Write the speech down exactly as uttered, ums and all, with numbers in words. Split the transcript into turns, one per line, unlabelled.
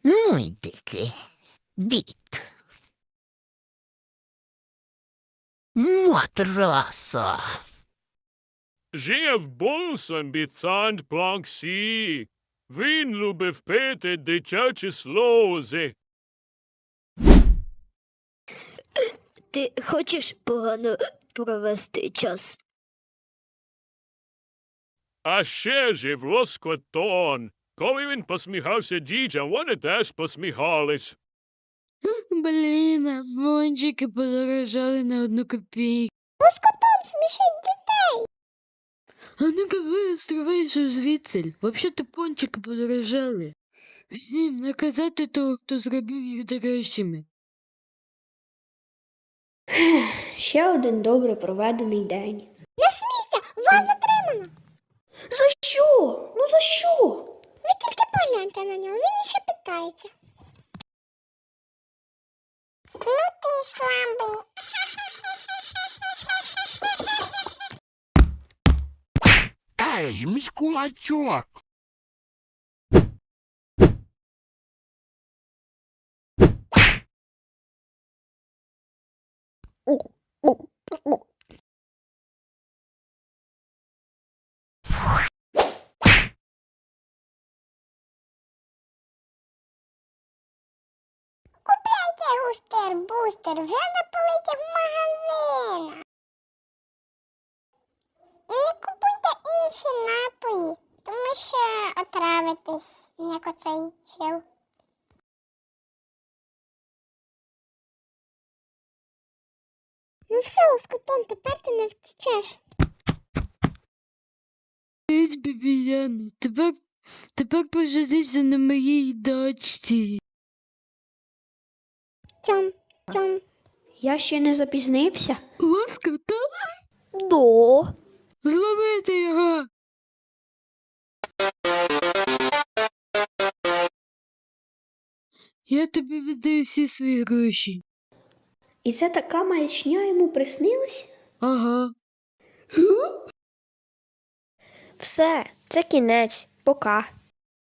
Ну й дики. Дід. Матраса.
Жив був собі Сант Планксі. Він любив пити дитячі сльози.
Ти хочеш погано провести час?
А ще жив Лоскотон. Коли він посміхався дітям, вони теж посміхались.
Блін, а пончики подорожали на одну копійку.
Лоскотон смішить дітей.
А ну-ка вистривайся звідси. Взагалі-то пончики подорожали. Всім наказати того, хто зробив їх дорожчими.
Ще один добре проведений день.
Не смійся, вас затримано.
За що? Ну за що?
Ви тільки погляньте на нього, він іще питається. Ну ти слабий.
Ей, мій кулачок.
Купляйте густер-бустер вже на полиці в магазинах. І не купуйте інші напої, тому що отравитесь, як оцей чел. Ну все, Лоскотон, тепер ти не втечеш.
Ось, бібіяна, тепер, тепер пожалійся на моїй дочці.
Тьом, тьом.
Я ще не запізнився.
Лоскота?
До.
Зловити його! Я тобі віддаю всі свої гроші.
І це така маячня йому приснилась?
Ага.
Все, це кінець. Пока.